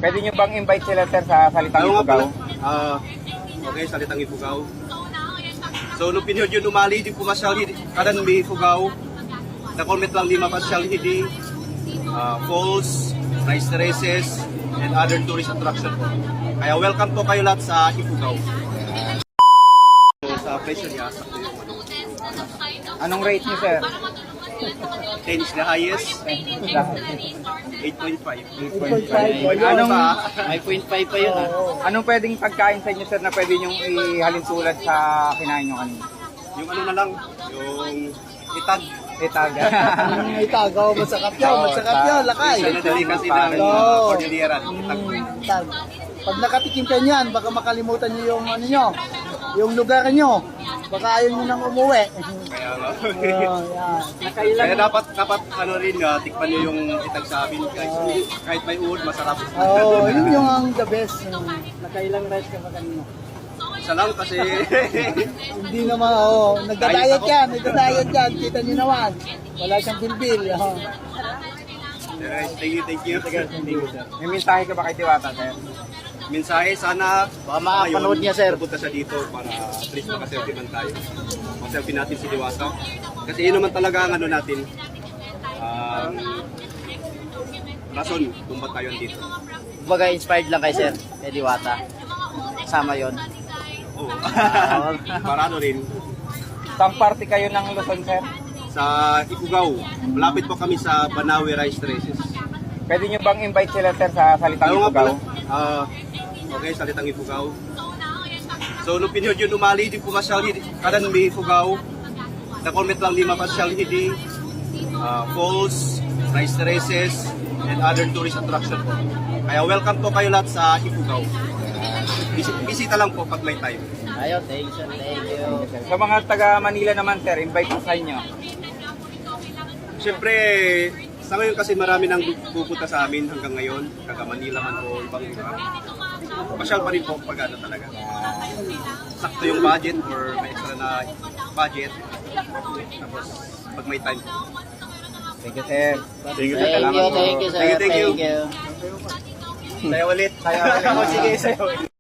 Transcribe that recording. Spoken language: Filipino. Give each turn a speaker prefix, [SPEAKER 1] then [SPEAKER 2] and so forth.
[SPEAKER 1] Pwede nyo bang invite sila sir sa Salitang
[SPEAKER 2] Ayaw nga
[SPEAKER 1] Ifugao?
[SPEAKER 2] pala. Okay, Salitang Ifugao. So, nung pinihod yun umali, di pumasyal, kanan may Ifugao. Na-comment lang di mapasyal, hindi. Falls, rice terraces, and other tourist attraction po. Kaya welcome po kayo lahat sa Ifugao. So, sa presyo niya, sakto yung
[SPEAKER 1] Anong rate nyo sir?
[SPEAKER 2] 10 is the highest, 8.5.
[SPEAKER 1] 8.5.
[SPEAKER 2] Anong
[SPEAKER 3] May 0.5 pa yun ha.
[SPEAKER 1] Anong pwedeng pagkain sa inyo sir na pwede nyong ihalin tulad sa kinain nyo kanina?
[SPEAKER 2] yung ano na lang, yung itag.
[SPEAKER 1] Itaga.
[SPEAKER 4] Itagaw, masakap yun, lakay.
[SPEAKER 2] Isa na dali kasi ng
[SPEAKER 4] Oo.
[SPEAKER 2] Cordillera, itag po yun.
[SPEAKER 4] Tag. Pag nakatikim ka niyan, baka makalimutan niyo yung ano nyo, yung lugar nyo. Baka ayaw nyo nang umuwi.
[SPEAKER 2] Kaya nga.
[SPEAKER 4] Yan.
[SPEAKER 2] Kaya dapat ano rin, tikpan nyo yung itag sa amin guys. Kahit may uod, masarap.
[SPEAKER 4] Oo, yun yung ang the best.
[SPEAKER 3] Nakailang rice ka ba kanina?
[SPEAKER 2] Isa lang kasi
[SPEAKER 4] Hindi naman, nagda-diet yan, kita nyo naman. Wala siyang bilbil.
[SPEAKER 2] guys, thank you.
[SPEAKER 1] May mensahe ka ba kay Diwata sir?
[SPEAKER 2] Mensahe, sana
[SPEAKER 3] Baka makapanood niya, sir.
[SPEAKER 2] Pupunta siya dito para at least makaselfie man tayo. Makaselfie natin si Diwata. Kasi yun naman talaga ang ano natin. Rason kung ba't tayo dito.
[SPEAKER 3] Kumbaga inspired lang kay sir, kay Diwata. Kasama yon.
[SPEAKER 2] Oo. Para ano rin.
[SPEAKER 1] Saan party kayo ng Luzon sir?
[SPEAKER 2] Sa Ifugao, malapit po kami sa Banawe Rice Terraces.
[SPEAKER 1] Pwede nyo bang invite sila sir sa Salitang
[SPEAKER 2] Ayaw nga pala.
[SPEAKER 1] Ifugao?
[SPEAKER 2] Okay, Salitang Ifugao. So, nung pinihod yun umali, di pumasyal, kanan may Ifugao. Na-comment lang di mapasyal, hindi. Falls, rice terraces, and other tourist attraction po. Kaya welcome po kayo lahat sa Ifugao. Bisita lang po pag may time.
[SPEAKER 3] Ayun, thank you sir, thank you.
[SPEAKER 1] Sa mga taga Manila naman sir, invite ko sa inyo.
[SPEAKER 2] Siyempre, sa ngayon kasi marami nang pupunta sa amin hanggang ngayon, taga Manila man o ibang lugar. Pasyal pa rin po pag ano talaga. Sakto yung budget or may extra na budget. Tapos pag may time.
[SPEAKER 1] Thank you sir.
[SPEAKER 2] Thank you,
[SPEAKER 3] Thank you, thank you sir,
[SPEAKER 2] Thank you.
[SPEAKER 3] thank you.
[SPEAKER 2] Saya ulit.
[SPEAKER 1] Saya ulit.
[SPEAKER 2] Sige, saya ulit.